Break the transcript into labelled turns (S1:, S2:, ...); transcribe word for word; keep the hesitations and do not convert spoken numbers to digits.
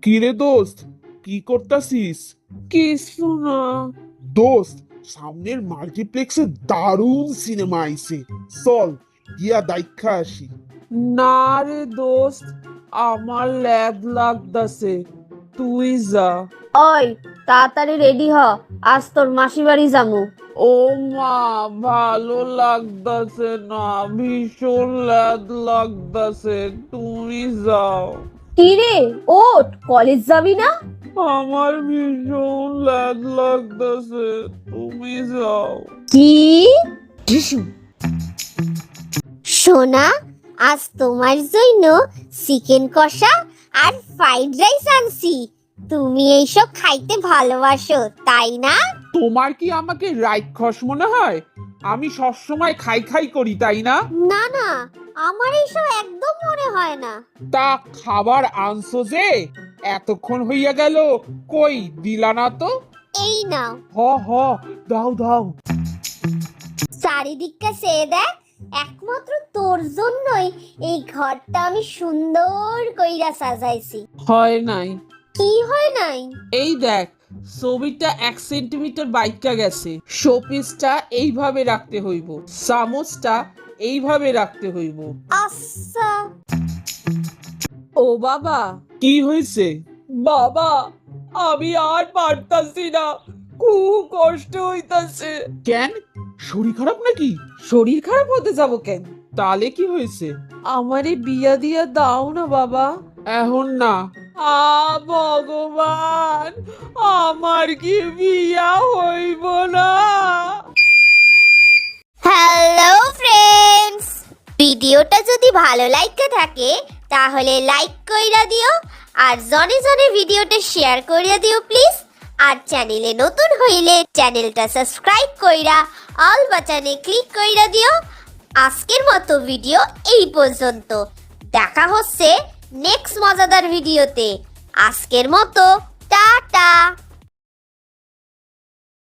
S1: কিরে দোস্ত, কি করতাছিস?
S2: কিছু না।
S1: দোস্ত, সামনের মাল্টিপ্লেক্সে দারুণ সিনেমা আইছে, চল গিয়া দেখা আসি।
S2: না রে দোস্ত, আমার ল্যাদ লাগতাছে, তুই যা।
S3: ওই তাড়াতাড়ি রেডি হ, আজ তোর মাসি বাড়ি যামু।
S2: ও মা, ভালো লাগতাছে না, ভীষণ ল্যাদ লাগতাছে, তুমি যাও।
S3: কি রে, ওঠ, কলেজ যাবি না?
S2: আমার ভীষণ ল্যাদ লাগতাছে, তুমি যাও।
S3: কি?
S4: সোনা, আজ তোমার জন্য চিকেন কষা আর ফ্রাইড রাইস আনছি। তুমি এইসব খাইতে ভালোবাসো তাই না?
S2: তোমার কি আমাকে রাক্ষস মনে হয়? আমি সবসময় খাই খাই করি, তাই না?
S4: না না, আমার এইসব একদম মনে হয় না।
S2: তা খাবার আনছো যে, এতক্ষণ হইয়া গেল, কই দিলা না তো?
S4: এই নাও।
S2: হ হ, দাও দাও।
S4: চারিদিকটা চেয়ে দেখ, একমাত্র তোর জন্যই এই ঘরটা আমি সুন্দর কইরা সাজাইছি।
S2: হয় নাই।
S4: কি হয় নাই?
S2: এই দেখ, ছবিটা এক সেন্টিমিটার বাইকা গেছে, শোপিসটা এইভাবে রাখতে হইব, চামচটা এইভাবে রাখতে হইব।
S4: আচ্ছা।
S2: ও বাবা,
S1: কি হয়েছে?
S2: বাবা, আমি আর পারতাছি না, খুব কষ্ট হইতাছে।
S1: কেন, শরীর খারাপ নাকি?
S2: শরীর খারাপ হতে যাব কেন?
S1: তাহলে কি হয়েছে?
S2: আমারে বিয়া দিয়া দাও না বাবা।
S1: এখন না।
S2: আ ভগবান, আমার কি বিয়া হইব না?
S4: হ্যালো ফ্রেন্ডস, ভিডিওটা যদি ভালো লাগতে থাকে তাহলে লাইক কইরা দিও, আর জনে জনে ভিডিওটা শেয়ার কইরা দিও প্লিজ। আর চ্যানেলে নতুন হইলে চ্যানেলটা সাবস্ক্রাইব কইরা অল বাটনে ক্লিক কইরা দিও। আজকের মতো ভিডিও এই পর্যন্ত, দেখা হচ্ছে নেক্সট মজাদার ভিডিওতে। আজকের মতো টাটা।